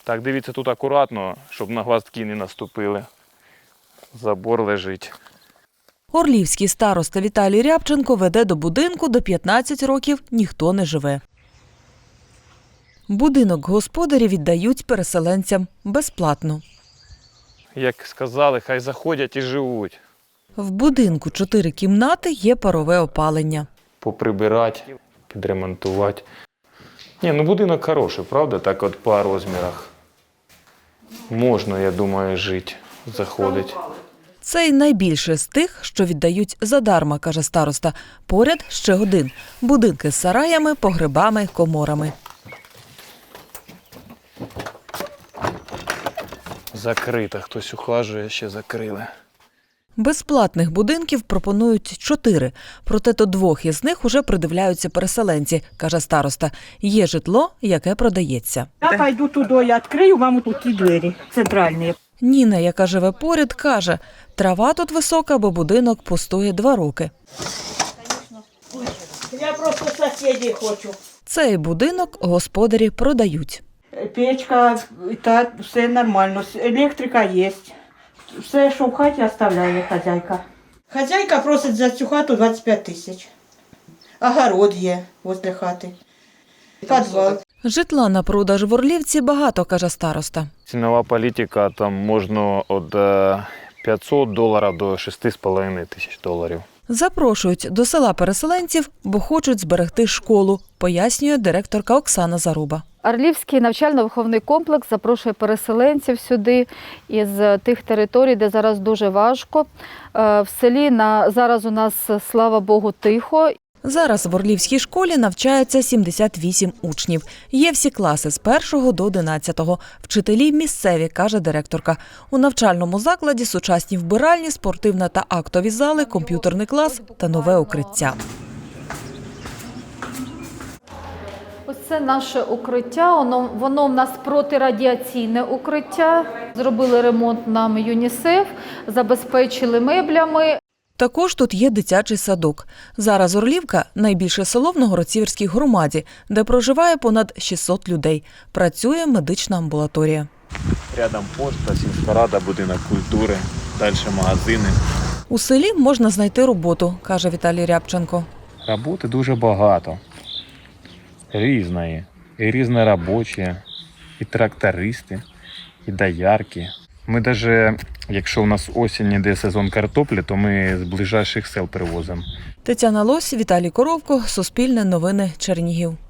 Так, дивіться тут акуратно, щоб на гвоздки не наступили. Забор лежить. Орлівський староста Віталій Рябченко веде до будинку, де 15 років ніхто не живе. Будинок господарі віддають переселенцям безплатно. Як сказали, хай заходять і живуть. В будинку 4 кімнати, є парове опалення. Поприбирати, підремонтувати. Ні, ну будинок хороший, правда? Так от по розмірах. Можна, я думаю, жити, заходити. Це й найбільше з тих, що віддають задарма, каже староста. Поряд ще один. Будинки з сараями, погребами, коморами. Закрита, хтось ухажує, ще закрили. Безплатних будинків пропонують 4, проте до 2 із них уже придивляються переселенці, каже староста. Є житло, яке продається. Я пойду туди, я відкрию вам тут ті двері центральні. Ніна, яка живе поряд, каже, трава тут висока, бо будинок пустує 2 роки. Я просто сусідів хочу. Цей будинок господарі продають. Печка, та все нормально, електрика є. Все, що в хаті, оставляє хазяйка. Хазяйка просить за цю хату 25 тисяч. Огород є возле хати. Підвал. Житла на продаж в Орлівці багато, каже староста. Цінова політика, там можна від $500 до $6,5 тисяч. Запрошують до села переселенців, бо хочуть зберегти школу, пояснює директорка Оксана Заруба. Орлівський навчально-виховний комплекс запрошує переселенців сюди із тих територій, де зараз дуже важко. В селі зараз у нас, слава Богу, тихо. Зараз в Орлівській школі навчається 78 учнів. Є всі класи з 1 до 11. Вчителі місцеві, каже директорка. У навчальному закладі сучасні вбиральні, спортивна та актові зали, комп'ютерний клас та нове укриття. Ось це наше укриття, воно в нас протирадіаційне укриття. Зробили ремонт нам ЮНІСЕФ, забезпечили меблями. Також тут є дитячий садок. Зараз Орлівка – найбільше село в Новгород-Сіверській громаді, де проживає понад 600 людей. Працює медична амбулаторія. Рядом пошта, сільська рада, будинок культури, далі магазини. У селі можна знайти роботу, каже Віталій Рябченко. Роботи дуже багато. Різної. І різноробочі, і трактористи, і доярки. Ми навіть, якщо у нас осінь іде сезон картоплі, то ми з ближайших сел привозимо. Тетяна Лось, Віталій Коровко, Суспільне новини, Чернігів.